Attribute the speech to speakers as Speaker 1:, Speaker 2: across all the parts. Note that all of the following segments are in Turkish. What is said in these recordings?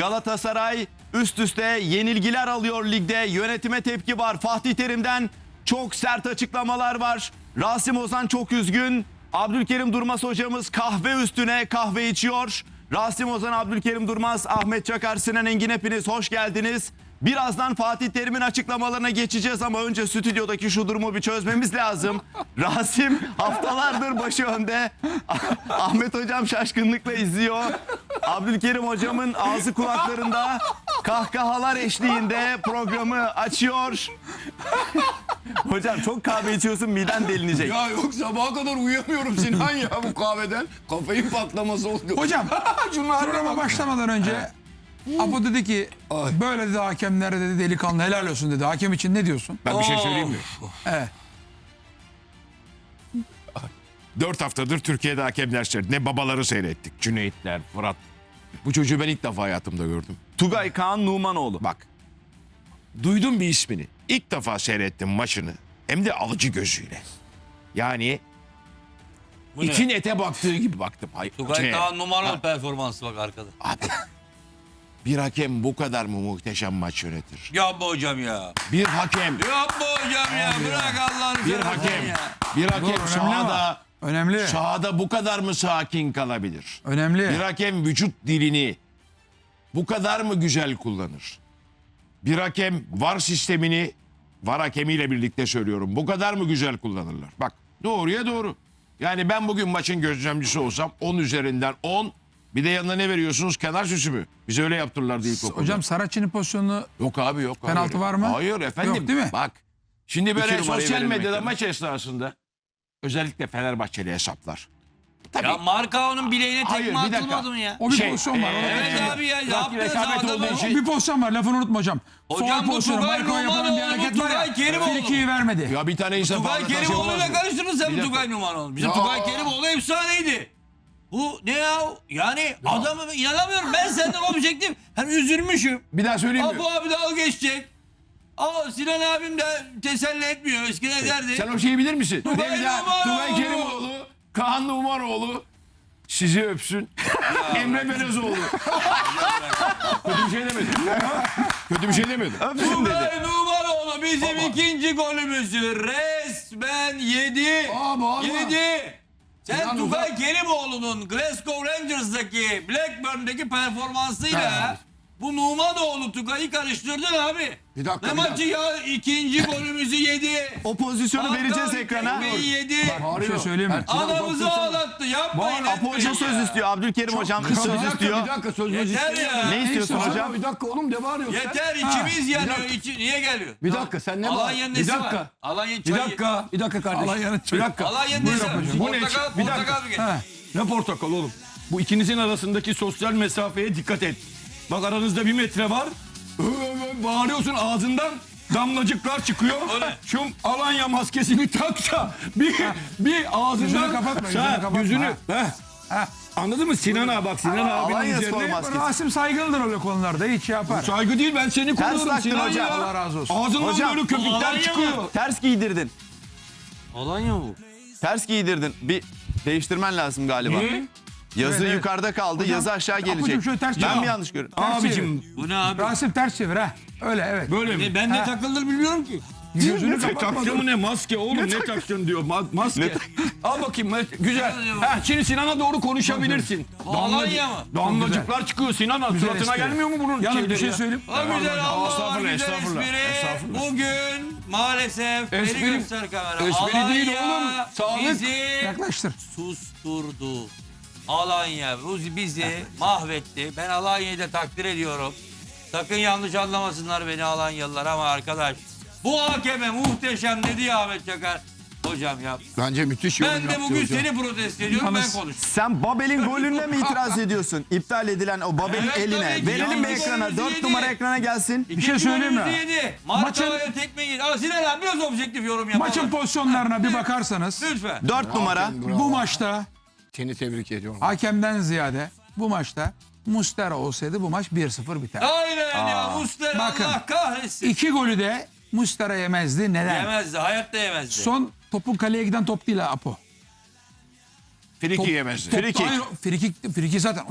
Speaker 1: Galatasaray üst üste yenilgiler alıyor ligde. Yönetime tepki var. Fatih Terim'den çok sert açıklamalar var. Rasim Ozan çok üzgün. Abdülkerim Durmaz hocamız kahve üstüne kahve içiyor. Rasim Ozan, Abdülkerim Durmaz, Ahmet Çakar, Sinan Engin, hepiniz hoş geldiniz. Birazdan Fatih Terim'in açıklamalarına geçeceğiz ama önce stüdyodaki şu durumu bir çözmemiz lazım. Rasim haftalardır başı önde. Ahmet hocam şaşkınlıkla izliyor. Abdülkerim hocamın ağzı kulaklarında, kahkahalar eşliğinde programı açıyor. Hocam çok kahve içiyorsun, miden delinecek.
Speaker 2: Ya yok, sabaha kadar uyuyamıyorum Sinan ya bu kahveden. Kafein patlaması oldu.
Speaker 3: Hocam
Speaker 2: Şunlar
Speaker 3: programa başlamadan önce Apo dedi ki böyle dedi hakemlere dedi delikanlı helal olsun dedi. Hakem için ne diyorsun?
Speaker 2: Ben bir şey söyleyeyim mi?
Speaker 3: Evet.
Speaker 2: 4 haftadır Türkiye'de hakemler seyrettik. Ne babaları seyrettik. Cüneytler, Fırat. Bu çocuğu ben ilk defa hayatımda gördüm.
Speaker 1: Tugay Kaan Numanoğlu.
Speaker 2: Bak. Duydum bir ismini. İlk defa seyrettim maçını. Hem de alıcı gözüyle. Yani için ete baktığı gibi baktım.
Speaker 4: Tugay Kaan numaralı performansı bak arkada.
Speaker 2: Abi. Bir hakem bu kadar mı muhteşem maç yönetir?
Speaker 4: Yapma hocam ya.
Speaker 2: Bir hakem,
Speaker 4: Yapma hocam ya. Bırak Allah'ını
Speaker 2: bir
Speaker 4: seversen
Speaker 2: hakem,
Speaker 4: ya.
Speaker 2: bir hakem
Speaker 3: Önemli.
Speaker 2: sahada bu kadar mı sakin kalabilir?
Speaker 3: Önemli.
Speaker 2: Bir hakem vücut dilini bu kadar mı güzel kullanır? Bir hakem VAR sistemini, VAR hakemiyle birlikte söylüyorum, bu kadar mı güzel kullanırlar? Bak, doğruya doğru. Yani ben bugün maçın gözlemcisi olsam 10 üzerinden 10, bir de yanına ne veriyorsunuz? Kenar süsü mü? Bize öyle yaptırırlardı ilkokulda.
Speaker 3: Hocam Saracchi'nin pozisyonunu
Speaker 2: Yok abi, yok.
Speaker 3: Penaltı
Speaker 2: Hayır.
Speaker 3: var mı?
Speaker 2: Hayır efendim.
Speaker 3: Yok değil mi?
Speaker 2: Bak, şimdi böyle
Speaker 1: numarayı
Speaker 2: sosyal
Speaker 1: verelim
Speaker 2: medyada
Speaker 1: ekrana.
Speaker 2: maç esnasında özellikle Fenerbahçeli hesaplar. Tabii.
Speaker 4: Ya Markao'nun bileğine
Speaker 2: Hayır,
Speaker 4: tekme
Speaker 2: bir dakika.
Speaker 4: atılmadı mı ya?
Speaker 3: o bir
Speaker 2: Şey,
Speaker 3: pozisyon var. onu
Speaker 4: Evet
Speaker 3: geçelim.
Speaker 4: abi ya.
Speaker 2: Rakip
Speaker 4: Yaptı
Speaker 2: rekabet
Speaker 4: adamı.
Speaker 2: olduğu
Speaker 3: O
Speaker 2: için-
Speaker 3: bir pozisyon var, lafını unutma hocam.
Speaker 4: Hocam
Speaker 3: Faul
Speaker 4: bu
Speaker 3: pozisyonu,
Speaker 4: Tugay
Speaker 3: Marco yapılan bir
Speaker 4: Numanoğlu,
Speaker 3: hareket
Speaker 4: bu
Speaker 3: var ya.
Speaker 4: Tugay Kerimoğlu.
Speaker 3: Frikiyi vermedi.
Speaker 2: Ya bir tane insan
Speaker 4: Tugay Kerimoğlu'yla karıştırdın sen bu Tugay Numanoğlu. Bizim
Speaker 2: Ya.
Speaker 4: Tugay Kerimoğlu efsaneydi. Bu ne ya? Yani adamı inanamıyorum. Ben senden objektif. Hem üzülmüşüm.
Speaker 2: Bir daha söyleyeyim mi?
Speaker 4: Apo abi dalga geçecek. Sinan abim de teselli etmiyor. Eskiden derdi.
Speaker 2: Sen o şeyi bilir misin?
Speaker 4: Tugay
Speaker 2: Devlet,
Speaker 4: Numanoğlu.
Speaker 2: Tugay Kerimoğlu, Kaan Numanoğlu sizi öpsün. Emre Belözoğlu. Kötü bir şey demedim. Kötü bir şey demedim.
Speaker 1: Öpsün dedi.
Speaker 4: Tugay Numanoğlu bizim ikinci golümüzü resmen yedi.
Speaker 2: Bağırma.
Speaker 4: Yedi. Sen
Speaker 2: Sinan
Speaker 4: Tugay Kerimoğlu'nun Glasgow Rangers'daki Blackburn'daki performansıyla bu Numanoğlu Tugay'ı karıştırdın abi.
Speaker 2: Bir dakika,
Speaker 4: Ne
Speaker 2: bir
Speaker 4: maçı ya? İkinci golümüzü yedi.
Speaker 1: O pozisyonu vereceğiz ekrana.
Speaker 4: Tekmeyi yedi.
Speaker 3: Bir şey söyleyeyim mi?
Speaker 4: Adamımızı ağlattı. Yapmayın.
Speaker 1: Apo Hoca söz istiyor. Abdülkerim hocam söz istiyor.
Speaker 2: dakika söz
Speaker 4: Yeter ya.
Speaker 1: Ne istiyorsun hocam?
Speaker 2: Bir dakika oğlum, ne bağırıyorsun
Speaker 4: Yeter içimiz yanıyor. Niye geliyor?
Speaker 2: Bir dakika, sen ne
Speaker 4: Alanya'nın nesi var? Alanya'nın çayı.
Speaker 2: Bir dakika kardeşim.
Speaker 3: Alanya'nın
Speaker 2: Bir dakika.
Speaker 4: Alanya'nın nesi var?
Speaker 2: Bu ne?
Speaker 4: Portakal,
Speaker 2: Bir dakika.
Speaker 4: portakal mı geliyor?
Speaker 5: Ne portakal oğlum? Bu ikinizin arasındaki sosyal mesafeye dikkat et. Bak aranızda 1 metre var. Bağırıyorsun, ağzından damlacıklar çıkıyor.
Speaker 4: Öyle.
Speaker 5: Şu Alanya maskesini tak da bir ağzından...
Speaker 3: Yüzünü kapatma, yüzünü
Speaker 5: Sen
Speaker 3: kapatma.
Speaker 5: yüzünü, Anladın mı Sinan abi? Bak Sinan abinin
Speaker 1: Alanya Spor
Speaker 5: üzerine...
Speaker 1: maskesi.
Speaker 3: Rasim saygılıdır öyle konularda, hiç şey yapar.
Speaker 5: Saygı değil, ben seni koruyorum
Speaker 1: taktın
Speaker 5: Sinan
Speaker 1: hocam.
Speaker 5: ya.
Speaker 3: Allah razı olsun.
Speaker 5: Ağzından
Speaker 1: Hocam,
Speaker 5: böyle köpükler
Speaker 4: Alanya mı?
Speaker 5: çıkıyor.
Speaker 1: Ters giydirdin.
Speaker 4: Alanya mı bu?
Speaker 1: Ters giydirdin. Bir değiştirmen lazım galiba.
Speaker 5: Niye?
Speaker 1: Yazı
Speaker 3: Evet.
Speaker 1: yukarıda kaldı.
Speaker 3: Hocam,
Speaker 1: yazı aşağı
Speaker 3: Apocuğum
Speaker 1: gelecek.
Speaker 3: şöyle ters
Speaker 1: Ben
Speaker 3: çevir.
Speaker 1: mi yanlış görüyorum?
Speaker 5: Abicim
Speaker 4: Bu ne abi?
Speaker 3: Rasim ters çevir ha. Öyle evet.
Speaker 5: böyle mi?
Speaker 4: Ben ne takılır bilmiyorum ki.
Speaker 3: Yüzünü
Speaker 5: Ne
Speaker 3: kapatma.
Speaker 5: taktın mı ne? Maske oğlum, ne taktın diyor. Maske. Al bakayım. Güzel. Ha, şimdi Sinan'a doğru konuşabilirsin.
Speaker 4: Bu Alanya mı?
Speaker 5: Damlacıklar çıkıyor Sinan.
Speaker 3: Güzel
Speaker 5: Suratına
Speaker 3: espri.
Speaker 5: gelmiyor mu bunun
Speaker 3: Yalnız bir
Speaker 5: şeyleri
Speaker 3: şey
Speaker 5: ya?
Speaker 3: söyleyeyim.
Speaker 4: O güzel Allah
Speaker 2: Estağfurullah,
Speaker 4: güzel
Speaker 2: estağfurullah,
Speaker 4: espri.
Speaker 2: estağfurullah.
Speaker 4: Bugün maalesef beni
Speaker 5: Espri-
Speaker 4: göster kamera.
Speaker 5: espri değil
Speaker 4: Alanya
Speaker 5: oğlum, sağlık.
Speaker 4: bizi
Speaker 3: Yaklaştır.
Speaker 4: susturdu. Alanya bizi mahvetti. Ben Alanya'yı da takdir ediyorum. Sakın yanlış anlamasınlar beni Alanyalılar ama arkadaş. Bu hakeme muhteşem dedi ya Ahmet Çakar. Hocam ya.
Speaker 2: Bence müthiş yorum
Speaker 4: Ben de
Speaker 2: yaptı
Speaker 4: bugün
Speaker 2: hocam.
Speaker 4: seni protesto ediyorum, ben
Speaker 3: Yalnız-
Speaker 4: konuştum.
Speaker 1: Sen Babel'in golüne mi itiraz ediyorsun? İptal edilen o Babel'in
Speaker 4: Evet,
Speaker 1: eline.
Speaker 4: tabii ki.
Speaker 1: Verelim mi
Speaker 4: Yalnız
Speaker 1: ekrana?
Speaker 4: golümüzü
Speaker 1: 4
Speaker 4: yedi.
Speaker 1: numara ekrana gelsin.
Speaker 3: Bir şey söyleyeyim mi?
Speaker 4: Yedi. Marka'ya tekme yedi. Sinan abi biraz objektif yorum yapalım.
Speaker 3: Maçın pozisyonlarına bir bakarsanız
Speaker 4: Lütfen.
Speaker 1: 4 numara.
Speaker 3: bu maçta
Speaker 2: Seni tebrik ediyorum.
Speaker 3: hakemden ziyade bu maçta Muslera olsaydı bu maç 1-0 biter.
Speaker 4: Aynen ya Muslera
Speaker 3: Bakın.
Speaker 4: Allah kahretsin.
Speaker 3: 2 golü de Muslera yemezdi. Neden?
Speaker 4: Yemezdi, hayatta yemezdi.
Speaker 3: Son topun kaleye giden top değil Apo.
Speaker 2: Friki yemezdi.
Speaker 3: Top-
Speaker 1: Free kick.
Speaker 3: Hayır, free kick zaten hocam.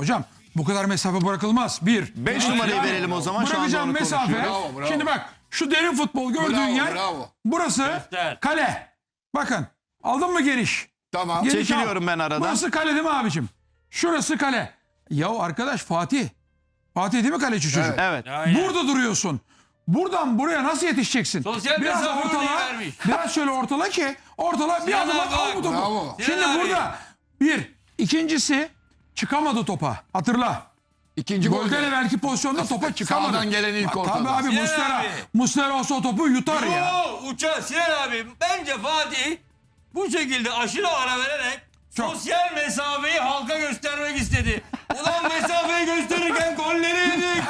Speaker 3: Bu kadar mesafe bırakılmaz.
Speaker 1: 5 numarayı verelim o zaman. Şu anda
Speaker 3: Bırakacağım
Speaker 1: onu
Speaker 3: mesafe.
Speaker 1: konuşuyoruz.
Speaker 6: Bravo, bravo.
Speaker 3: Şimdi bak şu derin futbol gördüğün
Speaker 6: Bravo,
Speaker 3: yer.
Speaker 6: bravo.
Speaker 3: Burası
Speaker 4: Göster.
Speaker 3: kale. Bakın aldın mı geniş?
Speaker 6: Tamam.
Speaker 3: Geniş
Speaker 1: Çekiliyorum
Speaker 3: al.
Speaker 1: ben aradan.
Speaker 3: Burası kale değil mi abicim? Şurası kale. Ya arkadaş Fatih. Fatih değil mi kaleci çocuk?
Speaker 1: Evet.
Speaker 4: Aynen.
Speaker 3: Burada duruyorsun. Buradan buraya nasıl yetişeceksin?
Speaker 4: Sosyal
Speaker 3: biraz
Speaker 4: mesafe örneği
Speaker 3: ortala,
Speaker 4: vermiş.
Speaker 3: biraz şöyle ortala ki ortala bir
Speaker 4: Sinan
Speaker 3: adım
Speaker 4: abi
Speaker 3: at al bu
Speaker 4: bak.
Speaker 3: topu.
Speaker 6: Bravo.
Speaker 3: Şimdi
Speaker 4: Sinan abi.
Speaker 3: burada ikincisi çıkamadı topa. Hatırla.
Speaker 6: İkinci
Speaker 3: Golden
Speaker 6: golde.
Speaker 3: evvelki pozisyonda topa çıkamadı.
Speaker 6: Sağdan gelen ilk
Speaker 3: Tabii
Speaker 6: ortada.
Speaker 3: abi
Speaker 4: Sinan
Speaker 3: Muslera olsa o topu yutar ya.
Speaker 4: Uçak Sinan abi bence Fatih bu şekilde aşırı ara vererek
Speaker 3: Çok.
Speaker 4: sosyal mesafeyi halka göstermek istedi. Ulan mesafeyi gösterirken golleri yedik.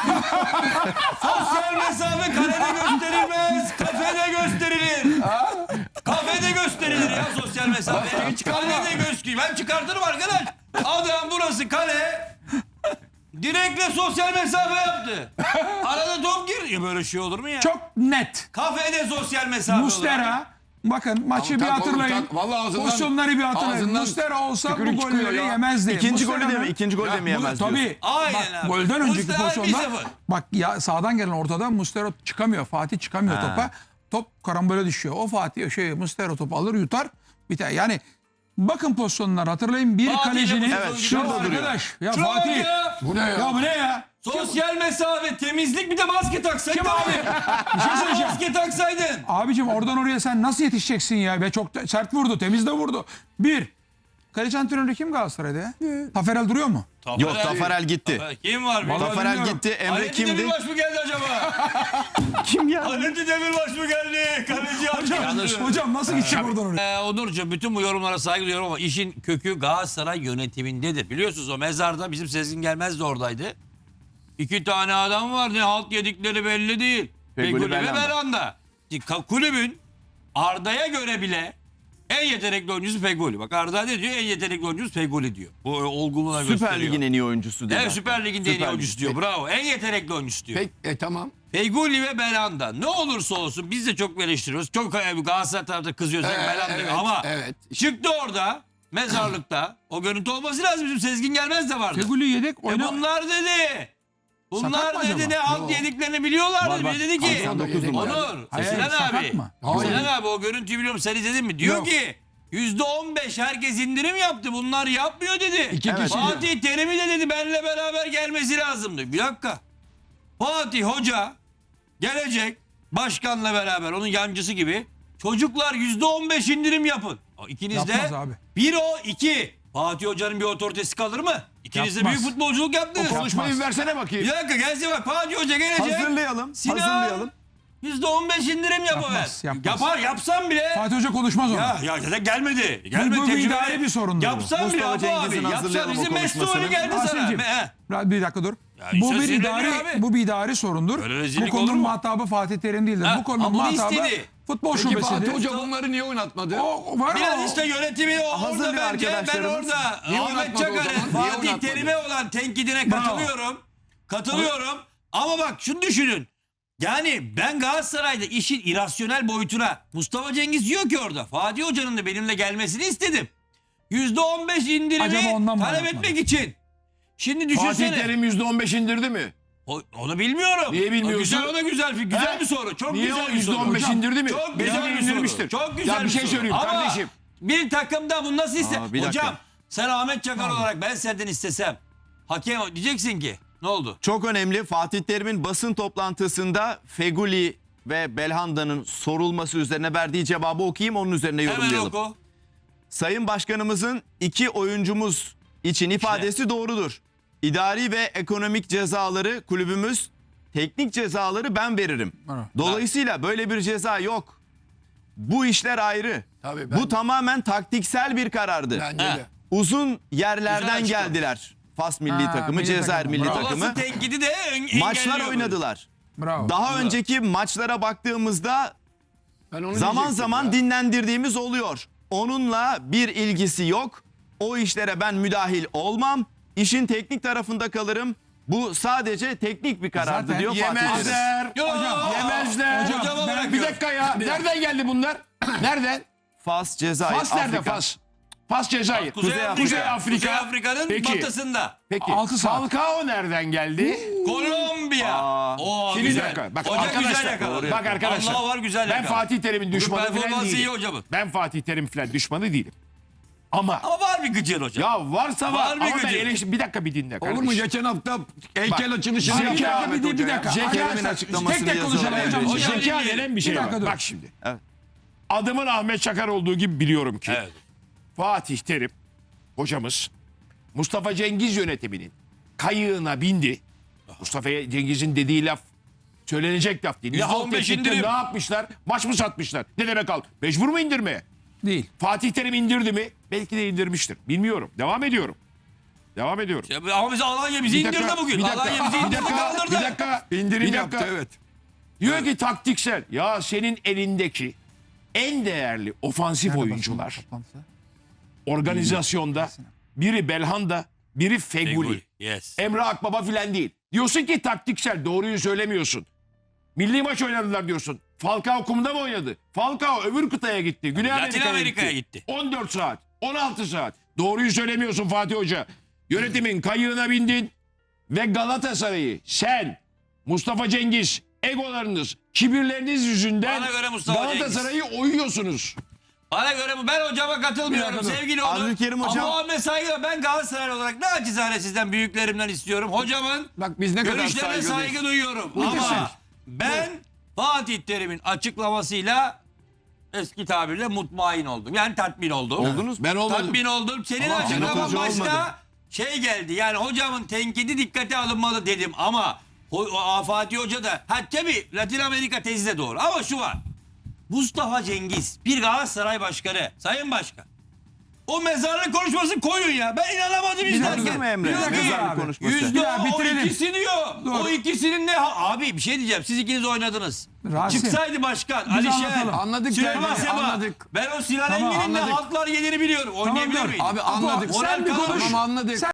Speaker 4: Sosyal mesafe kalede gösterilmez. Kafede gösterilir. Kafede gösterilir ya sosyal mesafe. Kalede gösterilir. Ben çıkartırım arkadaş. Adam burası kale. Direkle sosyal mesafe yaptı. Arada top girdi. Ya böyle şey olur mu ya?
Speaker 3: Çok net.
Speaker 4: Kafede sosyal mesafe olarak.
Speaker 3: Muslera bakın maçı bir
Speaker 6: tak oğlum,
Speaker 3: hatırlayın.
Speaker 6: tak. Vallahi ağzından-
Speaker 3: Pozisyonları bir hatırlayın.
Speaker 6: ağzından
Speaker 3: Muslera olsa bu
Speaker 6: tükürük çıkıyor
Speaker 3: golleri
Speaker 6: ya.
Speaker 3: yemezdi.
Speaker 1: İkinci golü de
Speaker 3: Muslera'nın-
Speaker 1: mi? İkinci golü de mi yemez diyorsun?
Speaker 3: Tabii.
Speaker 4: Aynen
Speaker 3: Bak,
Speaker 4: abi.
Speaker 3: golden önceki
Speaker 4: Muslera
Speaker 3: pozisyonda
Speaker 4: 1-0.
Speaker 3: bak ya sağdan gelen ortada Muslera çıkamıyor. Fatih çıkamıyor topa. Top karambole düşüyor. O Fatih Muslera topu alır yutar. Biter. Yani bakın pozisyonları hatırlayın. Bir
Speaker 4: Fatih'le
Speaker 3: kalecinin
Speaker 1: Evet, şurada
Speaker 3: Ya
Speaker 1: duruyor.
Speaker 3: arkadaş, ya
Speaker 4: Çok
Speaker 3: Fatih.
Speaker 4: ya.
Speaker 6: Bu ne ya?
Speaker 3: Ya bu ne ya?
Speaker 4: Sosyal mesafe, temizlik bir de maske taksaydın.
Speaker 3: Kim abi? Bir şey söyleyeceğim.
Speaker 4: Maske taksaydın.
Speaker 3: Abicim oradan oraya sen nasıl yetişeceksin ya? Ve çok sert vurdu. Temiz de vurdu. Bir. Kaleci antrenörü kim Galatasaray'da ya? Taferel duruyor mu?
Speaker 1: Yok Tafarel gitti.
Speaker 4: Kim var?
Speaker 3: Vallahi
Speaker 1: Tafarel
Speaker 3: bilmiyorum.
Speaker 1: gitti. Emre
Speaker 4: Halit
Speaker 1: kimdi?
Speaker 4: Demirbaş mı geldi acaba?
Speaker 1: Kim ya?
Speaker 4: Halit Demirbaş mı geldi? Kaleci
Speaker 3: Hocam nasıl gidecek oradan oraya?
Speaker 4: Onurcuğum bütün bu yorumlara saygı duyuyorum ama işin kökü Galatasaray yönetimindedir. Biliyorsunuz o mezarda bizim Sezgin Gelmez de oradaydı. 2 tane adam var ne halt yedikleri belli değil.
Speaker 1: Feguli
Speaker 4: Feguli ve
Speaker 1: Belhanda.
Speaker 4: Belhanda. Kulübün Arda'ya göre bile en yetenekli oyuncusu Feguli. Bak Arda ne diyor? En yetenekli oyuncusu Feguli diyor. Bu olgunluğuna gösteriyor.
Speaker 1: Süper Lig'in en iyi oyuncusu dedi.
Speaker 4: Evet Süper Lig'in en iyi
Speaker 1: Süper
Speaker 4: oyuncusu
Speaker 1: Lig.
Speaker 4: diyor. Bravo. En yetenekli oyuncusu diyor.
Speaker 6: Peki, tamam.
Speaker 4: Feguli ve Belhanda. Ne olursa olsun biz de çok eleştiriyoruz. Çok Galatasaray tarafta kızıyoruz. Belhanda.
Speaker 6: evet,
Speaker 4: Ama
Speaker 6: evet.
Speaker 4: çıktı orada mezarlıkta. O görüntü olması lazım. Bizim Sezgin Gelmez de vardı.
Speaker 3: Feguli yedek oyna.
Speaker 4: Bunlar dedi. Bunlar
Speaker 3: Sakat mı
Speaker 4: dedi
Speaker 3: acaba?
Speaker 4: ne halt yediklerini biliyorlar dedi. Dedi ki
Speaker 1: 99 numara.
Speaker 4: Onur,
Speaker 3: Hayır,
Speaker 4: Sinan
Speaker 3: sakat
Speaker 4: abi.
Speaker 3: mı?
Speaker 4: Sinan abi o görüntüyü biliyorum sen izledin mi? Diyor
Speaker 3: Yok.
Speaker 4: ki %15 herkes indirim yaptı. Bunlar yapmıyor dedi.
Speaker 6: İki kişi.
Speaker 4: Fatih Terim'i de dedi benimle beraber gelmesi lazımdı. Bir dakika. Fatih Hoca gelecek başkanla beraber onun yancısı gibi çocuklar %15 indirim yapın. İkiniz de
Speaker 3: Yapmaz abi.
Speaker 4: bir o iki. Fatih Hoca'nın bir otoritesi kalır mı? İkiniz de
Speaker 3: Yapmaz.
Speaker 4: büyük futbolculuk yaptınız.
Speaker 6: Konuşmayı versene bakayım.
Speaker 4: Bir dakika gelsin bak Fatih Hoca gelecek.
Speaker 1: Hazırlayalım.
Speaker 4: Sinan
Speaker 1: Hazırlayalım.
Speaker 4: %15 indirim yapıver.
Speaker 3: Yapmaz.
Speaker 4: Yapar yapsam bile.
Speaker 3: Fatih Hoca konuşmaz onu.
Speaker 4: Ya zaten gelmedi. Gelmedi
Speaker 3: bu
Speaker 4: tecrübeli.
Speaker 3: idari bir sorundur bu.
Speaker 4: Yapsam bile
Speaker 1: Mustafa
Speaker 4: yapma abi.
Speaker 1: Cengiz'in
Speaker 4: Yapsan
Speaker 1: hazırlayalım o
Speaker 4: bizim
Speaker 1: konuşmasını.
Speaker 4: Mesut'u geldi sana.
Speaker 3: Rasim'cim, bir dakika dur. Bu
Speaker 4: işte
Speaker 3: bir
Speaker 4: sinirleniyor
Speaker 3: idari
Speaker 4: abi.
Speaker 3: bu bir idari sorundur.
Speaker 4: Böyle
Speaker 3: Bu
Speaker 4: rezillik olur
Speaker 3: konunun
Speaker 4: mu?
Speaker 3: muhatabı Fatih Terim değildir.
Speaker 4: Ha,
Speaker 3: Bu konunun
Speaker 4: ama bunu
Speaker 3: muhatabı
Speaker 4: istedi.
Speaker 3: futbol
Speaker 6: Peki Fatih
Speaker 3: şubesidir.
Speaker 6: Hoca bunları niye oynatmadı?
Speaker 3: O var
Speaker 4: Biraz
Speaker 3: o.
Speaker 4: işte yönetimi orada
Speaker 1: Hazırlıyor
Speaker 4: bence. Ben
Speaker 1: arkadaşlarımız.
Speaker 4: orada
Speaker 6: Niye
Speaker 4: Ahmet
Speaker 6: oynatmadı o
Speaker 4: Çakar'ın
Speaker 6: zaman? Niye
Speaker 4: Fatih
Speaker 6: oynatmadı?
Speaker 4: Terim'e olan tenkidine katılıyorum. Katılıyorum. Ama bak şunu düşünün. Yani ben Galatasaray'da işin irasyonel boyutuna Mustafa Cengiz diyor ki orada Fatih Hoca'nın da benimle gelmesini istedim. %15
Speaker 3: Acaba
Speaker 4: indirimi
Speaker 3: ondan mı
Speaker 4: talep
Speaker 3: oynatmadı?
Speaker 4: etmek için. Şimdi
Speaker 6: Fatih
Speaker 4: düşünsene.
Speaker 6: Terim %15 indirdi mi?
Speaker 4: Onu bilmiyorum.
Speaker 6: Niye bilmiyorsun?
Speaker 4: Güzel o da güzel
Speaker 6: He?
Speaker 4: bir soru. Çok
Speaker 6: Niye
Speaker 4: güzel
Speaker 6: o
Speaker 4: bir soru.
Speaker 6: %15 indirdi mi?
Speaker 4: Çok
Speaker 6: Belki
Speaker 4: güzel bir
Speaker 6: indirmiştir.
Speaker 4: soru. Çok güzel
Speaker 6: Ya bir şey
Speaker 4: soru.
Speaker 6: söyleyeyim
Speaker 4: Ama
Speaker 6: kardeşim.
Speaker 4: bir takımda bunu nasıl iste?
Speaker 1: bir dakika.
Speaker 4: Hocam sen Ahmet Çakar olarak ben senden istesem hakem diyeceksin ki ne oldu?
Speaker 1: Çok önemli. Fatih Terim'in basın toplantısında Feguli ve Belhanda'nın sorulması üzerine verdiği cevabı okuyayım, onun üzerine
Speaker 4: Hemen
Speaker 1: yorumlayalım.
Speaker 4: oku.
Speaker 1: Sayın Başkanımızın 2 oyuncumuz için ifadesi doğrudur. İdari ve ekonomik cezaları kulübümüz, teknik cezaları ben veririm.
Speaker 3: Evet.
Speaker 1: Dolayısıyla böyle bir ceza yok. Bu işler ayrı.
Speaker 6: Tabii
Speaker 1: Bu tamamen taktiksel bir karardı.
Speaker 6: Bence
Speaker 4: He.
Speaker 6: de.
Speaker 1: Uzun yerlerden
Speaker 4: Güzel açıklamış.
Speaker 1: geldiler. Fas milli
Speaker 3: Ha,
Speaker 1: takımı,
Speaker 3: milli
Speaker 1: Cezayir
Speaker 3: takımı.
Speaker 1: milli
Speaker 3: Bravo.
Speaker 1: takımı.
Speaker 4: Olası tenkidi de
Speaker 1: Maçlar
Speaker 4: engelliyor
Speaker 1: oynadılar.
Speaker 3: Bravo.
Speaker 1: Daha önceki maçlara baktığımızda
Speaker 6: Ben onu
Speaker 1: zaman
Speaker 6: diyecektim
Speaker 1: zaman
Speaker 6: ya.
Speaker 1: dinlendirdiğimiz oluyor. Onunla bir ilgisi yok. O işlere ben müdahil olmam. İşin teknik tarafında kalırım. Bu sadece teknik bir karardı
Speaker 3: Zaten
Speaker 1: diyor Fatih Terim.
Speaker 6: Yemezler.
Speaker 4: Hocam,
Speaker 6: Yemezler.
Speaker 4: hocama
Speaker 6: Bir
Speaker 4: bırakıyorum.
Speaker 6: dakika ya. Nereden geldi bunlar? Nereden?
Speaker 1: Fas, Cezayir,
Speaker 6: Fas nerede
Speaker 1: Afrika.
Speaker 6: Fas?
Speaker 2: Pas Cezayir.
Speaker 4: Kuzey Afrika'nın
Speaker 2: Peki.
Speaker 4: batısında.
Speaker 2: Peki.
Speaker 3: 6 saat.
Speaker 2: Falcao nereden geldi?
Speaker 4: Kolombiya. Oo,
Speaker 2: Şimdi
Speaker 4: güzel.
Speaker 2: bir dakika. Bak
Speaker 4: Hoca güzel
Speaker 2: arkadaşlar.
Speaker 4: yakaladı.
Speaker 2: Bak arkadaşlar.
Speaker 4: Allah var güzel
Speaker 2: Ben
Speaker 4: yakaladı.
Speaker 2: Fatih Terim'in düşmanı falan
Speaker 4: performansı iyi
Speaker 2: değilim.
Speaker 4: hocamın.
Speaker 2: Ben Fatih Terim falan düşmanı değilim. Ama
Speaker 4: Ama var bir gıcır hocam.
Speaker 2: ya varsa var.
Speaker 4: Var bir
Speaker 2: Ama ben
Speaker 4: gücü.
Speaker 2: bir dakika bir dinle
Speaker 5: Olur mu?
Speaker 2: kardeşim.
Speaker 5: Geçen hafta heykel
Speaker 2: Bak,
Speaker 5: açılışını
Speaker 2: Zeki
Speaker 5: yaptı
Speaker 2: abi
Speaker 5: Ahmet
Speaker 3: bir
Speaker 5: Hoca ya.
Speaker 3: dakika.
Speaker 2: Zeki
Speaker 3: Arkadaşlar,
Speaker 1: Terim'in açıklamasını
Speaker 3: tek tek
Speaker 1: yazıyorlar.
Speaker 3: konuşalım hocam.
Speaker 1: Evet.
Speaker 4: Hocam,
Speaker 2: Zeka denen bir şey
Speaker 3: Bir
Speaker 2: var.
Speaker 3: dakika dur.
Speaker 2: Bak şimdi.
Speaker 1: Evet.
Speaker 2: Adımın Ahmet Çakar olduğu gibi biliyorum ki
Speaker 4: Evet.
Speaker 2: Fatih Terim hocamız Mustafa Cengiz yönetiminin kayığına bindi. Mustafa Cengiz'in dediği laf söylenecek laf değil. Ne halt
Speaker 4: %15
Speaker 2: ettikler,
Speaker 4: indirim.
Speaker 2: ne yapmışlar? Maç mı satmışlar? Ne demek al? Mecbur mu indirmeye?
Speaker 3: Değil.
Speaker 2: Fatih Terim indirdi mi? Belki de indirmiştir. Bilmiyorum. Devam ediyorum.
Speaker 4: Ama bizi Alanya bizi
Speaker 2: Bir dakika,
Speaker 4: indirdi bugün.
Speaker 2: bir dakika,
Speaker 4: Alanya bizi
Speaker 2: bir
Speaker 4: indirdi
Speaker 2: dakika,
Speaker 4: kaldırdı.
Speaker 2: bir dakika.
Speaker 5: İndirim
Speaker 2: bir
Speaker 5: yaptı
Speaker 2: dakika.
Speaker 5: evet.
Speaker 2: Diyor ki taktiksel. Ya senin elindeki en değerli ofansif oyuncular organizasyonda biri Belhanda, biri Feguli.
Speaker 4: Yes.
Speaker 2: Emre Akbaba filan değil. Diyorsun ki taktiksel, doğruyu söylemiyorsun. Milli maç oynadılar diyorsun. Falcao kumda mı oynadı? Falcao öbür kıtaya gitti. Güney
Speaker 4: Latin Amerika'ya gitti.
Speaker 2: 14 saat, 16 saat. Doğruyu söylemiyorsun Fatih Hoca. Yönetimin kayığına bindin ve Galatasaray'ı sen, Mustafa Cengiz, egolarınız, kibirleriniz yüzünden
Speaker 4: Bana göre Mustafa
Speaker 2: Galatasaray'ı oyuyorsunuz.
Speaker 4: Bana göre bu. Ben hocama katılmıyorum.
Speaker 3: Bir dakika dur.
Speaker 4: Sevgili Onur.
Speaker 1: Abdülkerim hocam-
Speaker 4: Ama Ahmet saygı ben Galatasaray olarak naçizane sizden büyüklerimden istiyorum. Hocamın
Speaker 5: Bak biz ne kadar
Speaker 4: görüşlerine
Speaker 5: saygılıyız.
Speaker 4: saygı duyuyorum. Ama ben Fatih Terim'in açıklamasıyla eski tabirle mutmain oldum. Yani tatmin oldum.
Speaker 1: Oldunuz mu?
Speaker 6: Ben olmadım.
Speaker 4: Tatmin oldum. Senin
Speaker 1: Ama
Speaker 4: açıklaman
Speaker 1: Ahmet Hoca
Speaker 4: başka
Speaker 1: olmadı.
Speaker 4: şey geldi. Yani hocamın tenkidi dikkate alınmalı dedim ama Fatih Hoca da tabii Latin Amerika tezi de doğru ama şu var. Mustafa Cengiz bir Galatasaray başkanı, sayın başkan. O mezarlık konuşmasını koyun ya. Ben inanamadım
Speaker 1: Değil
Speaker 4: izlerken.
Speaker 1: mi Emre?
Speaker 4: Diyor ki,
Speaker 1: Mezarlık konuşması.
Speaker 4: %10
Speaker 3: Ya
Speaker 4: o
Speaker 3: bitirelim.
Speaker 4: ikisi diyor. O ikisinin ne? Abi bir şey diyeceğim. Siz ikiniz oynadınız.
Speaker 3: Rasim.
Speaker 4: Çıksaydı başkan.
Speaker 3: Biz
Speaker 4: Alişer.
Speaker 3: anlatalım.
Speaker 6: Anladık
Speaker 4: Süleyman
Speaker 6: tabii,
Speaker 4: Seba.
Speaker 6: anladık.
Speaker 4: Ben o Sinan
Speaker 3: Tamam,
Speaker 4: Engin'in ne
Speaker 6: anladık.
Speaker 4: haltlar yediğini biliyorum. Oynayabiliyor
Speaker 3: dur.
Speaker 4: muyum?
Speaker 6: Abi anladık.
Speaker 4: Moral
Speaker 3: Sen bir
Speaker 4: kalır.
Speaker 3: konuş.
Speaker 6: Tamam anladık.